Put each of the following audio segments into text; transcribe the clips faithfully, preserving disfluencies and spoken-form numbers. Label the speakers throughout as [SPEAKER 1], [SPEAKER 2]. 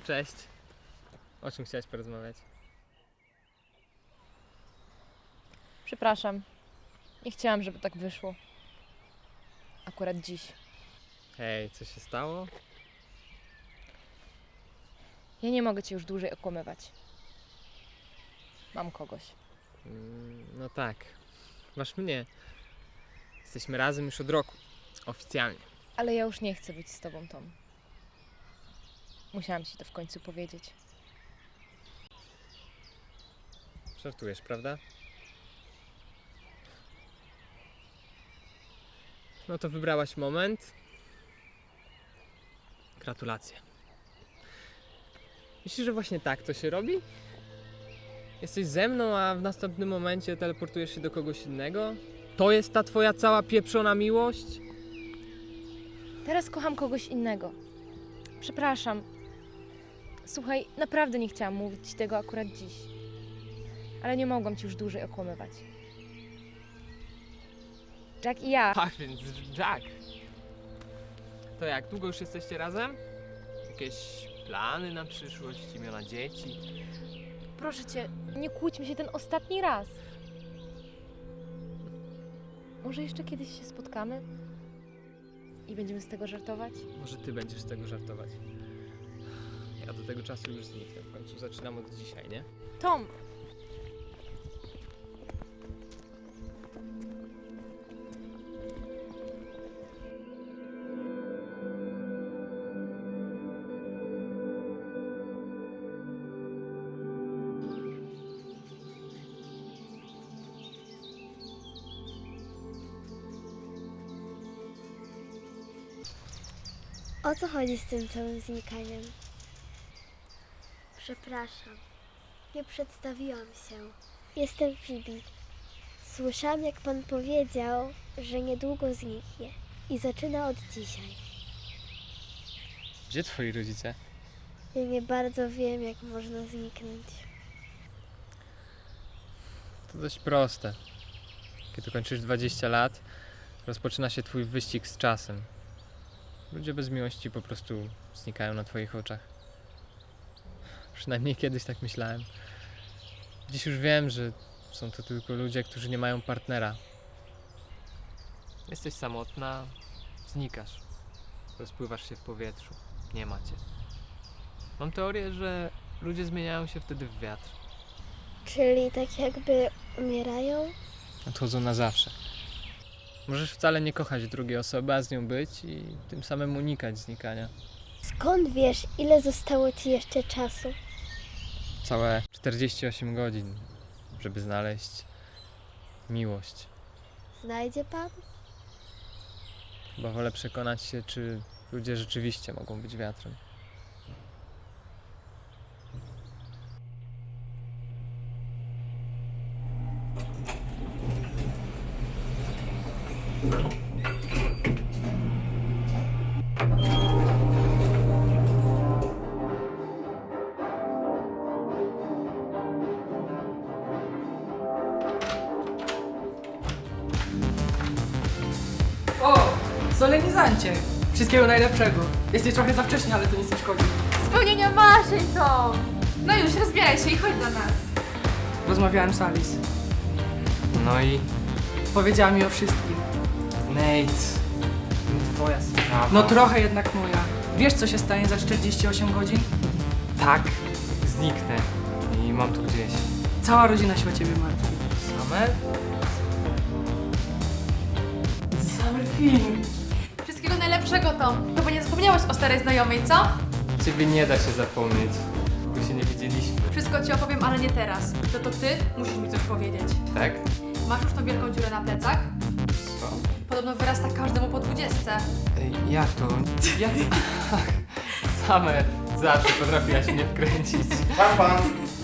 [SPEAKER 1] cześć. O czym chciałaś porozmawiać?
[SPEAKER 2] Przepraszam. Nie chciałam, żeby tak wyszło. Akurat dziś.
[SPEAKER 1] Hej, co się stało?
[SPEAKER 2] Ja nie mogę cię już dłużej okłamywać. Mam kogoś.
[SPEAKER 1] Mm, no tak. Masz mnie. Jesteśmy razem już od roku. Oficjalnie.
[SPEAKER 2] Ale ja już nie chcę być z tobą, Tom. Musiałam ci to w końcu powiedzieć.
[SPEAKER 1] Żartujesz, prawda? No to wybrałaś moment. Gratulacje. Myślisz, że właśnie tak to się robi? Jesteś ze mną, a w następnym momencie teleportujesz się do kogoś innego? To jest ta twoja cała pieprzona miłość?
[SPEAKER 2] Teraz kocham kogoś innego. Przepraszam. Słuchaj, naprawdę nie chciałam mówić ci tego akurat dziś. Ale nie mogłam ci już dłużej okłamywać. Jack i ja.
[SPEAKER 1] Tak, więc Jack. To jak, długo już jesteście razem? Jakieś plany na przyszłość, imiona dzieci?
[SPEAKER 2] Proszę cię, nie kłóćmy się ten ostatni raz. Może jeszcze kiedyś się spotkamy? I będziemy z tego żartować?
[SPEAKER 1] Może ty będziesz z tego żartować. Ja do tego czasu już zniknę. W końcu zaczynam od dzisiaj, nie?
[SPEAKER 2] Tom!
[SPEAKER 3] O co chodzi z tym całym znikaniem? Przepraszam, nie przedstawiłam się. Jestem Phoebe. Słyszałam, jak pan powiedział, że niedługo zniknie i zaczyna od dzisiaj.
[SPEAKER 1] Gdzie twoi rodzice?
[SPEAKER 3] Ja nie bardzo wiem, jak można zniknąć.
[SPEAKER 1] To dość proste. Kiedy kończysz dwadzieścia lat, rozpoczyna się twój wyścig z czasem. Ludzie bez miłości po prostu znikają na twoich oczach. Przynajmniej kiedyś tak myślałem. Dziś już wiem, że są to tylko ludzie, którzy nie mają partnera. Jesteś samotna, znikasz. Rozpływasz się w powietrzu. Nie ma cię. Mam teorię, że ludzie zmieniają się wtedy w wiatr.
[SPEAKER 3] Czyli tak jakby umierają?
[SPEAKER 1] Odchodzą na zawsze. Możesz wcale nie kochać drugiej osoby, a z nią być i tym samym unikać znikania.
[SPEAKER 3] Skąd wiesz, ile zostało ci jeszcze czasu?
[SPEAKER 1] Całe czterdzieści osiem godzin, żeby znaleźć miłość.
[SPEAKER 3] Znajdzie pan?
[SPEAKER 1] Chyba wolę przekonać się, czy ludzie rzeczywiście mogą być wiatrem.
[SPEAKER 4] O, solenizancie! Wszystkiego najlepszego. Jesteś trochę za wcześnie, ale to nic nie szkodzi.
[SPEAKER 2] Spełnienia marzeń, Tom!
[SPEAKER 5] No już, rozbieraj się i chodź do nas.
[SPEAKER 4] Rozmawiałem z Alice.
[SPEAKER 1] No i
[SPEAKER 4] Powiedziała mi o wszystkim.
[SPEAKER 1] Nate, twoja sprawa.
[SPEAKER 4] No trochę jednak moja. Wiesz, co się stanie za czterdzieści osiem godzin?
[SPEAKER 1] Tak, zniknę i mam tu gdzieś.
[SPEAKER 4] Cała rodzina się o ciebie martwi.
[SPEAKER 1] Summer?
[SPEAKER 4] Summer Queen.
[SPEAKER 5] Wszystkiego najlepszego, Tom. Chyba nie zapomniałeś o starej znajomej, co?
[SPEAKER 1] Ciebie nie da się zapomnieć, bo się nie widzieliśmy.
[SPEAKER 5] Wszystko ci opowiem, ale nie teraz. To to ty musisz mi coś powiedzieć.
[SPEAKER 1] Tak?
[SPEAKER 5] Masz już tą wielką dziurę na plecach?
[SPEAKER 1] Co?
[SPEAKER 5] Podobno wyrasta każdemu po dwudziestce.
[SPEAKER 1] Ej, jak to? Jak? Summer zawsze potrafiłaś mnie wkręcić.
[SPEAKER 6] Pan, pan.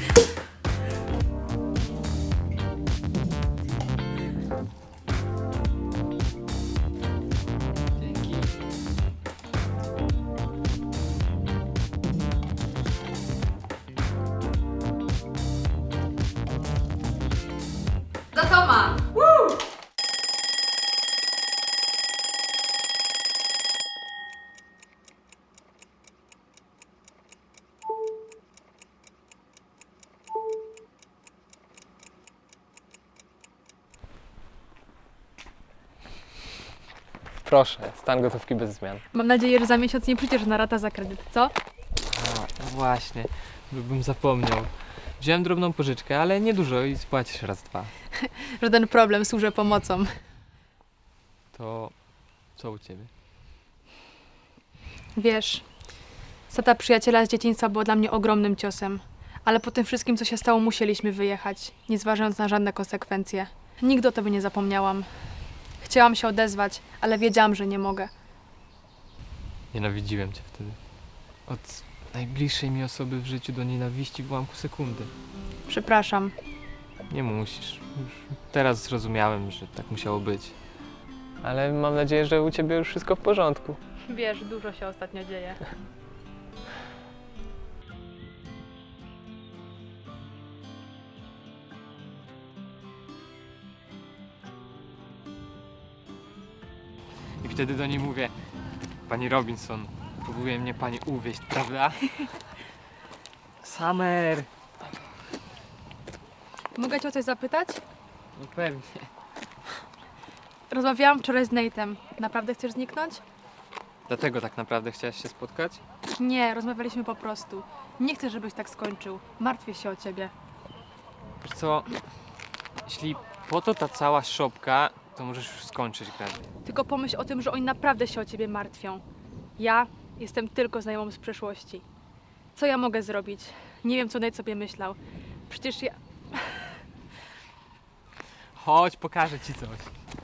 [SPEAKER 1] Dzięki.
[SPEAKER 5] Do Toma!
[SPEAKER 1] Proszę, stan gotówki bez zmian.
[SPEAKER 5] Mam nadzieję, że za miesiąc nie przyjdziesz na rata za kredyt, co?
[SPEAKER 1] A, no właśnie, bym zapomniał. Wziąłem drobną pożyczkę, ale niedużo i spłacisz raz, dwa.
[SPEAKER 5] Żaden problem, służę pomocą.
[SPEAKER 1] To co u ciebie?
[SPEAKER 5] Wiesz, strata przyjaciela z dzieciństwa była dla mnie ogromnym ciosem. Ale po tym wszystkim, co się stało, musieliśmy wyjechać, nie zważając na żadne konsekwencje. Nigdy o tobie nie zapomniałam. Chciałam się odezwać, ale wiedziałam, że nie mogę.
[SPEAKER 1] Nienawidziłem cię wtedy. Od najbliższej mi osoby w życiu do nienawiści w ułamku sekundy.
[SPEAKER 5] Przepraszam.
[SPEAKER 1] Nie musisz. Już teraz zrozumiałem, że tak musiało być. Ale mam nadzieję, że u ciebie już wszystko w porządku.
[SPEAKER 5] Wiesz, dużo się ostatnio dzieje.
[SPEAKER 1] I wtedy do niej mówię: pani Robinson, próbuje mnie pani uwieść, prawda? Summer!
[SPEAKER 5] Mogę cię o coś zapytać?
[SPEAKER 1] No pewnie.
[SPEAKER 5] Rozmawiałam wczoraj z Nate'em. Naprawdę chcesz zniknąć?
[SPEAKER 1] Dlatego tak naprawdę chciałaś się spotkać?
[SPEAKER 5] Nie, rozmawialiśmy po prostu. Nie chcę, żebyś tak skończył. Martwię się o ciebie.
[SPEAKER 1] Wiesz co, jeśli po to ta cała szopka, to możesz już skończyć grać.
[SPEAKER 5] Tylko pomyśl o tym, że oni naprawdę się o ciebie martwią. Ja jestem tylko znajomą z przeszłości. Co ja mogę zrobić? Nie wiem, co Nate sobie myślał. Przecież ja...
[SPEAKER 1] Chodź, pokażę ci coś.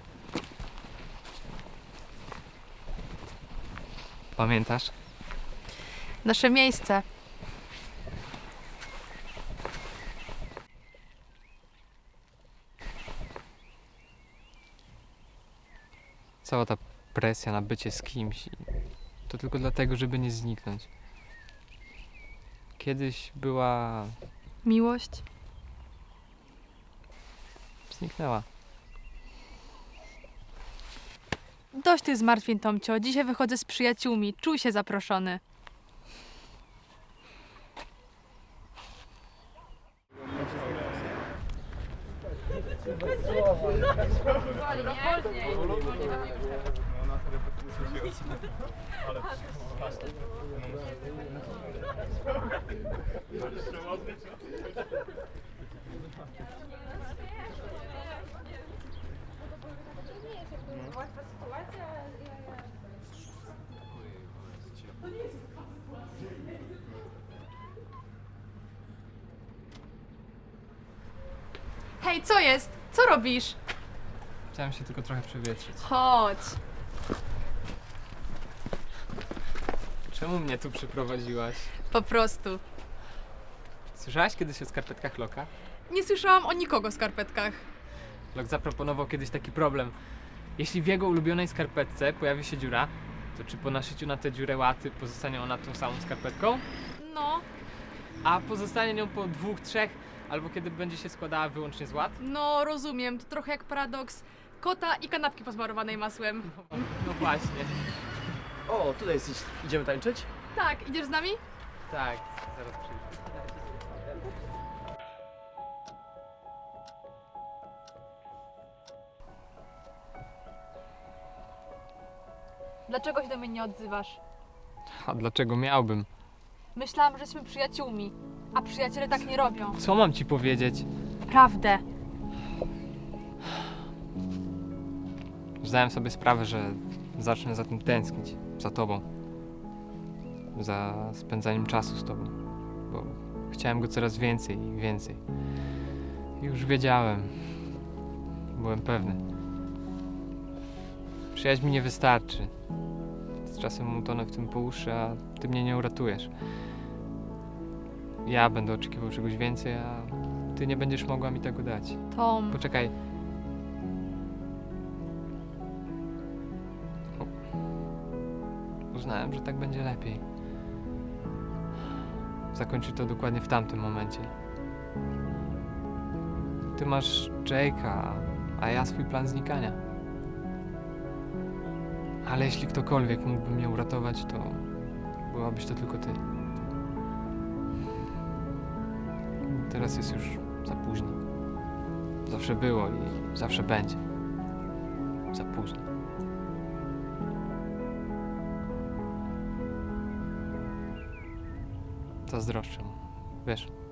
[SPEAKER 1] Pamiętasz?
[SPEAKER 5] Nasze miejsce.
[SPEAKER 1] Cała ta presja na bycie z kimś, i to tylko dlatego, żeby nie zniknąć. Kiedyś była...
[SPEAKER 5] Miłość.
[SPEAKER 1] zniknęła.
[SPEAKER 5] Dość tych zmartwień, Tomcio. Dzisiaj wychodzę z przyjaciółmi. Czuj się zaproszony. Hej, co jest? Co robisz?
[SPEAKER 1] Chciałem się tylko trochę przewietrzyć.
[SPEAKER 5] Chodź.
[SPEAKER 1] Czemu mnie tu przyprowadziłaś?
[SPEAKER 5] Po prostu.
[SPEAKER 1] Słyszałaś kiedyś o skarpetkach Loka?
[SPEAKER 5] Nie słyszałam o nikogo w skarpetkach.
[SPEAKER 1] Lok zaproponował kiedyś taki problem. Jeśli w jego ulubionej skarpetce pojawi się dziura, to czy po naszyciu na tę dziurę łaty pozostanie ona tą samą skarpetką?
[SPEAKER 5] No,
[SPEAKER 1] A pozostanie nią po dwóch, trzech, albo kiedy będzie się składała wyłącznie z łat?
[SPEAKER 5] no rozumiem. To trochę jak paradoks kota i kanapki posmarowanej masłem.
[SPEAKER 1] No właśnie.
[SPEAKER 6] O, tutaj jesteś. Idziemy tańczyć?
[SPEAKER 5] Tak, idziesz z nami?
[SPEAKER 1] Tak, zaraz przyjdę.
[SPEAKER 5] Dlaczego się do mnie nie odzywasz?
[SPEAKER 1] A dlaczego miałbym?
[SPEAKER 5] Myślałam, że jesteśmy przyjaciółmi, a przyjaciele tak nie robią.
[SPEAKER 1] Co mam ci powiedzieć?
[SPEAKER 5] Prawdę.
[SPEAKER 1] Zdałem sobie sprawę, że zacznę za tym tęsknić. Za tobą. Za spędzaniem czasu z tobą. Bo chciałem go coraz więcej i więcej. I już wiedziałem. Byłem pewny. Przyjaźń mi nie wystarczy. Z czasem utonę w tym po uszy, a ty mnie nie uratujesz. Ja będę oczekiwał czegoś więcej, a ty nie będziesz mogła mi tego dać.
[SPEAKER 5] Tom,
[SPEAKER 1] Poczekaj. O. Uznałem, że tak będzie lepiej. Zakończyć to dokładnie w tamtym momencie. Ty masz Jake'a, a ja swój plan znikania. Ale jeśli ktokolwiek mógłby mnie uratować, to byłabyś to tylko ty. Teraz jest już za późno. Zawsze było i zawsze będzie. Za późno. zazdroszczę mu. Wiesz,